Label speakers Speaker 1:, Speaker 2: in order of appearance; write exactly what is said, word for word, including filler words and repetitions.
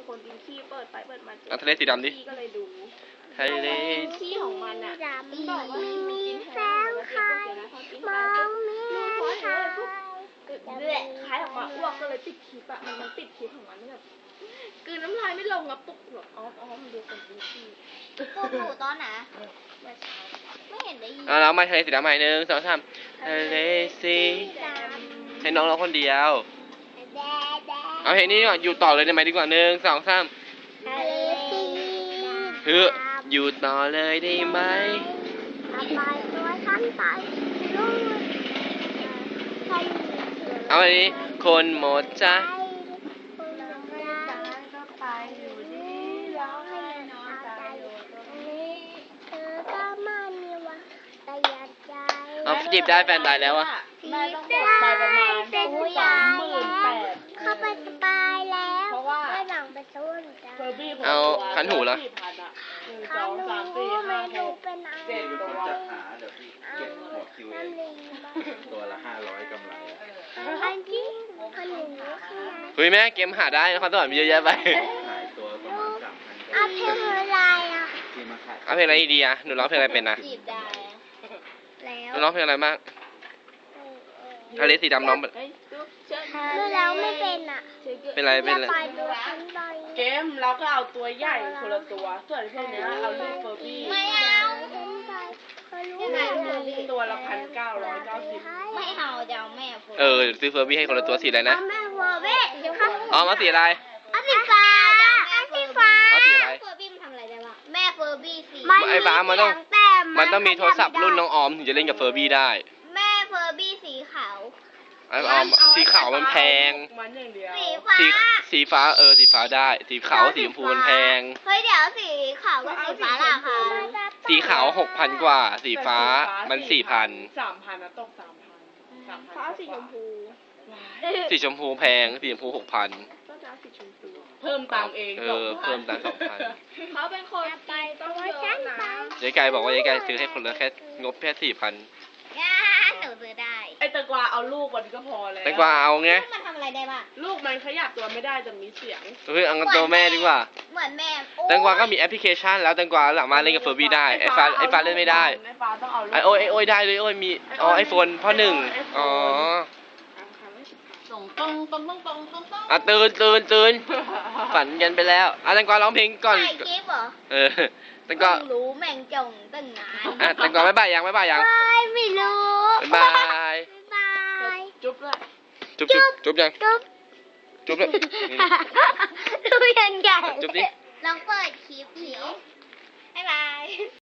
Speaker 1: คนกินขี้เปิดไปเปิดมาเจอ
Speaker 2: ทะเลสีดำดิ
Speaker 1: ขี้ก็เลยดู
Speaker 2: ทะเล
Speaker 1: ขี้ของมันอ่ะมันบอกว่า
Speaker 3: มี
Speaker 1: กิน
Speaker 3: แส
Speaker 1: แห้
Speaker 3: ง
Speaker 1: ง
Speaker 3: ไข่
Speaker 1: นะพอกิน
Speaker 3: ม
Speaker 1: ไป
Speaker 3: อ
Speaker 1: ปุ๊
Speaker 3: ง
Speaker 1: บ
Speaker 3: ไม่
Speaker 1: ลูกพอ
Speaker 3: เห็
Speaker 1: เห็น
Speaker 3: น
Speaker 1: เลยปุ๊บเละคล้ายออกมาอ้วกก็เลยปิดคลิปอ่ะมันมันปิดคลิปของมันแบบกลืนน้ำลายไม่ลงอ่ะปุ๊บแบบอ๋ออ๋อมันดูคนกินขี้
Speaker 3: พวกหนูตอนไหน
Speaker 1: เมื่อเช้า
Speaker 3: ไม่เห็นได้ยิน
Speaker 2: เอาเรามาทะเลสีดำใหม่หนึ่งสองสามทะเลสีให้น้องร้องคนเดียว
Speaker 3: แดดแดด
Speaker 2: เอาเพลงนี้ก่อนอยู่ต่อเลยได้ไหมดีกว่าหนึ่งสองสาม
Speaker 3: ทะเลสี
Speaker 2: คืออยู่ต่อเลยได้ไหม
Speaker 3: เอาไปตัวฉันไปนู่นใคร
Speaker 2: เอาอันนี้คนหมดจ้ะ
Speaker 3: คนรักก็ไปอยู่ดีร้องให้นอนใจอยู่ตรงนี้เธอก็ไม่มีวันแต่อยากใจ
Speaker 2: เอาจีบได้แฟนตายแล้วอะ
Speaker 1: แม่ต้องหมดไปประมาณ
Speaker 3: เป็น
Speaker 1: สามหมื่นแปด
Speaker 3: เข้าไปสบายแล้ว
Speaker 1: เพราะว่า
Speaker 3: ไม่หลังไปสู้จ้ะ
Speaker 1: เฟอร์บี้ผม
Speaker 2: เอาคันหูเหรอ
Speaker 1: สี่พันอะหนึ่งส
Speaker 3: คั
Speaker 1: อน ง
Speaker 3: หู
Speaker 1: สามสี่ห้า
Speaker 3: ไม่
Speaker 1: ห
Speaker 3: ดู
Speaker 1: ก
Speaker 3: เป็นอะไร
Speaker 1: เจ็ดตัว
Speaker 4: จัดหาเดี๋ยวพี่เก็บหัวคิวเอง
Speaker 3: น้ำลิงบ้าง
Speaker 4: ตัวละห้าร้อยกำไรอะ
Speaker 3: อันที่คนหนึ่งข้างใน
Speaker 2: เฮ้ยแม่เกมหาได้นครสวรรค์มีเยอะแยะไป
Speaker 4: ขายตัวประมาณสามพัน
Speaker 3: เอาเพลงอะไรอ่ะ
Speaker 4: ที่มาขาย
Speaker 2: เอาเพลงอะไรดีอะหนูร้องเพลงอะไรเป็นนะ
Speaker 3: จีบได้แล้ว
Speaker 2: หนูร้องเพลงอะไรบ้างทะเลสีดำร้อง
Speaker 1: เฮ้ยดูเชิญ
Speaker 3: คือเราไม่เป็นอ่ะ
Speaker 2: เป็นอะไรเป็นอะไร
Speaker 3: ไปดูฉันไป
Speaker 1: เกมเราก็เอาตัวใหญ่คนละตัว ส่วนพวกเนี้ยเอาลูกเฟอร์บี้
Speaker 3: ไม่เอาฉันไปเคยรู้ไหม
Speaker 1: ตัวละพันเก้าร้อยเก้าสิบ
Speaker 3: ไม่เอาจะเอาแม่ฟู
Speaker 2: เออซื้อเฟอร์บี้ให้คนละตัวสีอะไรนะ
Speaker 3: แม่ฟูเว้ย
Speaker 2: อ๋อมาสีอะไร
Speaker 3: เอาสีฟ้าเอาสีฟ้า
Speaker 2: เอาสีอะไร
Speaker 3: เฟอร์บี้มันทำอะไรได้บ้างแม่เฟอร์บี้สี
Speaker 2: ไอ้ฟ้ามันต้องมันต้องมีโทรศัพท์รุ่นน้องออมถึงจะเล่นกับเฟอร์บี้ได้
Speaker 3: แม่เฟอร์บี้สีขาว
Speaker 2: ไอ้ออมสีขาวมันแพง
Speaker 1: มันอย่างเดียว
Speaker 3: สีฟ้า
Speaker 2: สีสีฟ้าเออสีฟ้าได้ สีขาวสีชมพูมันแพง
Speaker 3: เฮ้ยเดี๋ยวสีขาวกับสีฟ้าล่ะค่ะ
Speaker 2: สีขาวหกพันกว่า สีฟ้ามันสี่พัน
Speaker 1: สามพันนะตกสามพันสามพันฟ้าสีชมพู
Speaker 2: สีชมพูแพงสีชมพูหกพัน
Speaker 1: ก็จะสีชมพูเพิ่มตังค์เอง
Speaker 2: เออเพิ่มตังค์สองพัน
Speaker 1: เขาเป็นคนไปต้องเยอะนะ
Speaker 2: ยายไก่บอกว่ายายไก่ซื้อให้คนละแค่งบแค่สี่พัน
Speaker 3: ย่าหนูซื้อได้
Speaker 1: ไอแตงกวาเอาลูกมันก็พอแล้ว
Speaker 2: แตงกวาเอาไง
Speaker 3: มันทำอะไรได้บ้าง
Speaker 1: ลูกมันขยับตัวไม่ได้จะมีเสียง
Speaker 2: เฮ้ยเอาเงินตัวแม่ดีกว่า
Speaker 3: เหมือนแม่
Speaker 2: แตงกวาก็มีแอปพลิเคชันแล้วแตงกวาสามารถเล่นกับเฟอร์บี้ได้ไอ้ฟ้าไอ้ฟ้าเล่นไม่ได้
Speaker 1: ไอ้ฟ้าต้องเอาลูก
Speaker 2: ไอ้โอ้ยไอ้โอ้ยได้เลยโอ้ยมีอ๋อไอโฟนพ่อหนึ่งอ๋อ
Speaker 1: ส่งตรงตรงตรงตรงตรงตรง
Speaker 2: อ่ะตื่นตื่นตื่นฝันกันไปแล้วอ่ะแตงกวาร้องเพลงก่อน
Speaker 3: ถ่ายคลิปเหรอ
Speaker 2: เออแตงกวา
Speaker 3: เพิ่งรู้แม่งจงตั้งนาน
Speaker 2: อ่ะแตงกวาบ๊ายบายยังบ๊ายบายยัง
Speaker 3: ไม่ไม่รู้
Speaker 2: บ๊ายบาย
Speaker 3: บาย
Speaker 1: จุ๊บเลย
Speaker 2: จุ๊บจุ๊บจุ๊บยัง
Speaker 3: จุ๊บ
Speaker 2: จุ๊บเลยนี่
Speaker 3: ดูยังไง
Speaker 2: จุ๊บดิ
Speaker 3: ลองเปิดคลิปเดี๋ยวบ๊ายบาย